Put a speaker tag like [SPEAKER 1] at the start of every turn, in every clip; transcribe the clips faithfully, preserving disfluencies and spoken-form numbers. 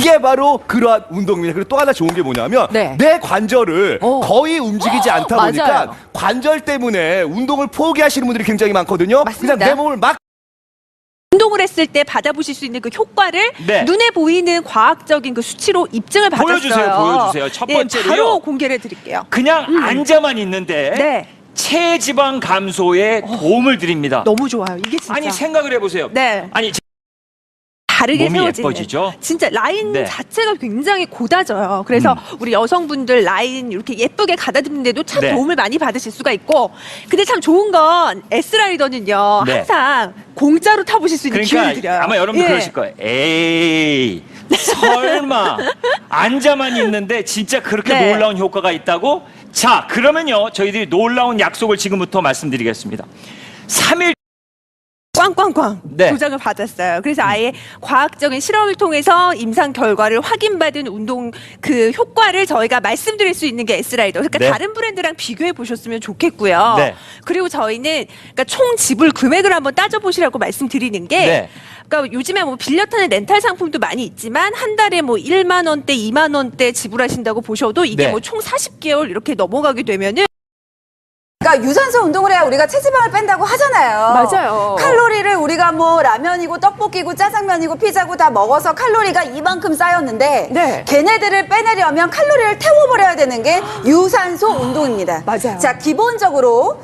[SPEAKER 1] 이게 바로 그러한 운동입니다. 그리고 또 하나 좋은 게 뭐냐면
[SPEAKER 2] 네.
[SPEAKER 1] 내 관절을
[SPEAKER 2] 오.
[SPEAKER 1] 거의 움직이지 않다
[SPEAKER 2] 맞아요.
[SPEAKER 1] 보니까 관절 때문에 운동을 포기하시는 분들이 굉장히 많거든요.
[SPEAKER 2] 맞습니다.
[SPEAKER 1] 그냥 내 몸을 막
[SPEAKER 3] 운동을 했을 때 받아보실 수 있는 그 효과를
[SPEAKER 4] 네.
[SPEAKER 3] 눈에 보이는 과학적인 그 수치로 입증을 받았어요.
[SPEAKER 4] 보여주세요, 보여주세요. 첫
[SPEAKER 3] 네,
[SPEAKER 4] 번째로요.
[SPEAKER 3] 바로 공개를 해드릴게요.
[SPEAKER 4] 그냥 앉아만 있는데
[SPEAKER 3] 네.
[SPEAKER 4] 체지방 감소에 도움을 드립니다.
[SPEAKER 3] 너무 좋아요. 이게 진짜
[SPEAKER 4] 아니 생각을 해보세요.
[SPEAKER 3] 네.
[SPEAKER 4] 아니
[SPEAKER 3] 다르게
[SPEAKER 4] 몸이
[SPEAKER 3] 세워지는.
[SPEAKER 4] 예뻐지죠?
[SPEAKER 3] 진짜 라인
[SPEAKER 4] 네.
[SPEAKER 3] 자체가 굉장히 고다져요. 그래서
[SPEAKER 4] 음.
[SPEAKER 3] 우리 여성분들 라인 이렇게 예쁘게 가다듬는데도 참
[SPEAKER 4] 네.
[SPEAKER 3] 도움을 많이 받으실 수가 있고, 근데 참 좋은 건 S라이더는요
[SPEAKER 4] 네.
[SPEAKER 3] 항상 공짜로 타보실 수 있는 기회를
[SPEAKER 4] 그러니까
[SPEAKER 3] 드려요.
[SPEAKER 4] 아마 여러분들
[SPEAKER 3] 예.
[SPEAKER 4] 그러실 거예요. 에이 설마 앉아만 있는데 진짜 그렇게
[SPEAKER 3] 네.
[SPEAKER 4] 놀라운 효과가 있다고? 자 그러면요 저희들이 놀라운 약속을 지금부터 말씀드리겠습니다. 삼 일
[SPEAKER 3] 꽝꽝꽝
[SPEAKER 4] 네.
[SPEAKER 3] 도장을 받았어요. 그래서 아예 과학적인 실험을 통해서 임상 결과를 확인받은 운동 그 효과를 저희가 말씀드릴 수 있는 게 S라이더. 그러니까
[SPEAKER 4] 네.
[SPEAKER 3] 다른 브랜드랑 비교해 보셨으면 좋겠고요.
[SPEAKER 4] 네.
[SPEAKER 3] 그리고 저희는 그러니까 총 지불 금액을 한번 따져 보시라고 말씀드리는 게
[SPEAKER 4] 네.
[SPEAKER 3] 그러니까 요즘에 뭐 빌려 타는 렌탈 상품도 많이 있지만 한 달에 뭐 일만 원대, 이만 원대 지불하신다고 보셔도 이게
[SPEAKER 4] 네.
[SPEAKER 3] 뭐 총 사십 개월 이렇게 넘어가게 되면은
[SPEAKER 2] 그러니까 유산소 운동을 해야 우리가 체지방을 뺀다고 하잖아요.
[SPEAKER 3] 맞아요.
[SPEAKER 2] 칼로리를 우리가 뭐 라면이고 떡볶이고 짜장면이고 피자고 다 먹어서 칼로리가 이만큼 쌓였는데
[SPEAKER 3] 네.
[SPEAKER 2] 걔네들을 빼내려면 칼로리를 태워버려야 되는 게 유산소 운동입니다.
[SPEAKER 3] 맞아요.
[SPEAKER 2] 자, 기본적으로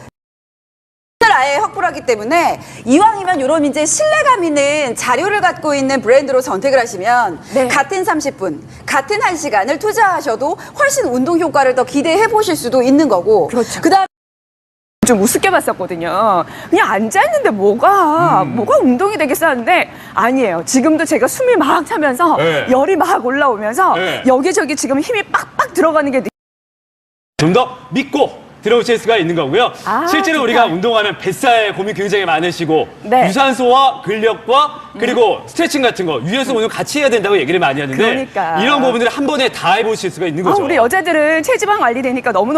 [SPEAKER 2] 아예 확보를 하기 때문에 이왕이면 이런 이제 신뢰감 있는 자료를 갖고 있는 브랜드로 선택을 하시면
[SPEAKER 3] 네.
[SPEAKER 2] 같은 삼십 분, 같은 한 시간을 투자하셔도 훨씬 운동 효과를 더 기대해 보실 수도 있는 거고.
[SPEAKER 3] 그렇죠.
[SPEAKER 2] 그다음
[SPEAKER 5] 좀 우습게 봤었거든요. 그냥 앉아있는데 뭐가, 뭐가 운동이 되겠어 하는데 아니에요. 지금도 제가 숨이 막 차면서
[SPEAKER 1] 네.
[SPEAKER 5] 열이 막 올라오면서
[SPEAKER 1] 네.
[SPEAKER 5] 여기저기 지금 힘이 빡빡 들어가는 게
[SPEAKER 6] 좀 더 믿고 들어오실 수가 있는 거고요.
[SPEAKER 5] 아,
[SPEAKER 6] 실제로
[SPEAKER 5] 진짜.
[SPEAKER 6] 우리가 운동하면 뱃살 고민 굉장히 많으시고
[SPEAKER 5] 네.
[SPEAKER 6] 유산소와 근력과 그리고 스트레칭 같은 거 유연성 운동 같이 해야 된다고 얘기를 많이 하는데
[SPEAKER 5] 그러니까.
[SPEAKER 6] 이런 부분들을 한 번에 다 해보실 수가 있는
[SPEAKER 5] 아,
[SPEAKER 6] 거죠.
[SPEAKER 5] 우리 여자들은 체지방 관리되니까 너무너무